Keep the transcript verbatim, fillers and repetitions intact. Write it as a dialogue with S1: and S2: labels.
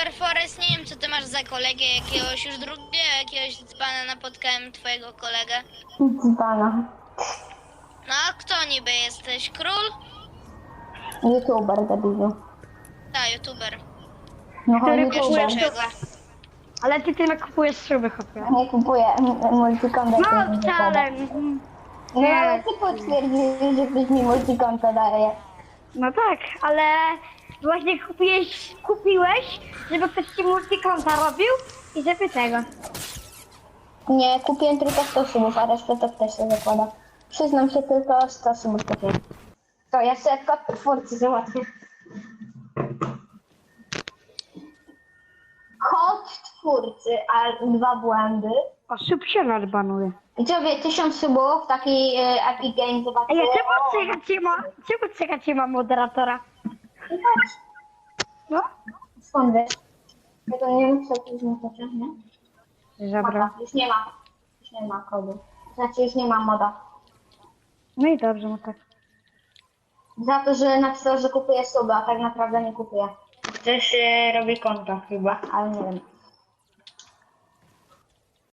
S1: Forest, nie wiem co ty masz za kolegę, jakiegoś już drugiego, jakiegoś dzbana napotkałem twojego kolegę.
S2: Dzbana.
S1: No, kto niby jesteś? Król?
S2: YouTuber, debilu.
S1: Tak, youtuber.
S2: No
S3: Który
S2: YouTuber.
S3: kupuje
S1: Dlaczego?
S3: szybę. Ale ty tyle kupujesz szyby, chłopie.
S2: Nie kupuję multikonta.
S3: No wcale. mhm.
S2: No
S3: Nie.
S2: ale ty potwierdziłeś, że ktoś mi multikonto daje.
S3: No tak, ale właśnie kupiłeś, kupiłeś, żeby ktoś ci multikonta robił i żeby tego.
S2: Nie, kupiłem tylko sto subów, a resztę to też się zakłada. Przyznam się, tylko sto subów kupiłem. To ja sobie kod twórcy załatwię. Kod twórcy, a dwa błędy.
S3: Osób się nadbanuje.
S2: I co wie, tysiąc subów, taki e, Epic Games zobaczył.
S3: Ej, a czemu czekać ma, czemu czekać ma moderatora? No?
S2: Skąd wiesz? Ja to nie wiem, co to jest nie?
S3: Zabrał.
S2: Moda. Już nie ma. Już nie ma kodu. Znaczy już nie ma moda.
S3: No i dobrze, no tak.
S2: Za to, że napisał, że kupuje suby, a tak naprawdę nie kupuje. Ktoś e, robi konto chyba, ale nie wiem.